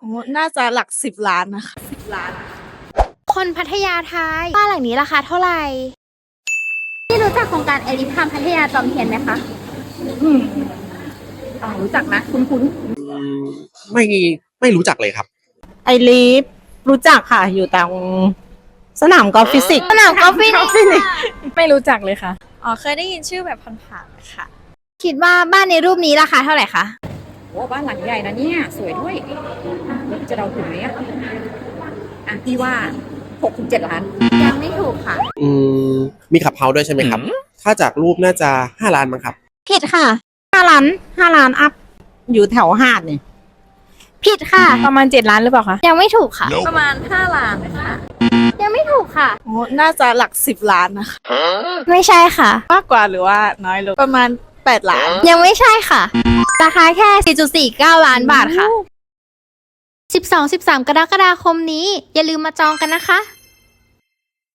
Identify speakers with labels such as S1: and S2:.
S1: โอ้น่าจะหลัก10 ล้านนะคะ10 ล้าน
S2: คนพัทยาทายบ้านหลังนี้ราคาเท่าไหร่ที่รู้จักโครงการเอลิฟพัทยาจอมเทียนไหมคะ
S3: รู้จักนะคุ้น
S4: ไม่ไม่รู้จักเลยครับ
S5: ไอลีฟรู้จักค่ะ อยู่ตรงสนามกอล์ฟฟิสิกส์
S2: สนามกอล์ฟฟินิก
S3: ไม่รู้จักเลยค่ะ
S1: อ๋อเคยได้ยินชื่อแบบผ่านๆค่ะ
S2: คิดว่าบ้านในรูปนี้ราคาเท่าไหร่คะ
S3: โอ้บ้านหลังใหญ่นะเนี่ย สวยด้วยจะเดาถูกไหมพี่ว่า6-7 ล้าน
S2: ยังไม่ถูกค่ะ
S4: อืมมีขับเฮาส์ด้วยใช่ไหมครับ ถ้าจากรูปน่าจะ5 ล้านมั้งครับ
S2: ผิดค่ะ
S5: 5 ล้านอัพ อยู่แถวหาดเนี่ย
S2: ผิดค่ะ
S3: ประมาณ7 ล้านหรือเปล่าคะ
S2: ยังไม่ถูกค่ะ
S1: ประมาณ5 ล้านค่ะ
S2: ยังไม่ถูกค่ะ
S1: โอ้น่าจะหลัก10 ล้านนะคะ
S2: ไม่ใช่ค่ะ
S1: มากกว่าหรือว่าน้อยลงประมาณ8 ล้าน
S2: ยังไม่ใช่ค่ะ ราคาแค่ 4.49 ล้านบาทค่ะ 12-13 กรกฎาคมนี้ อย่าลืมมาจองกันนะคะ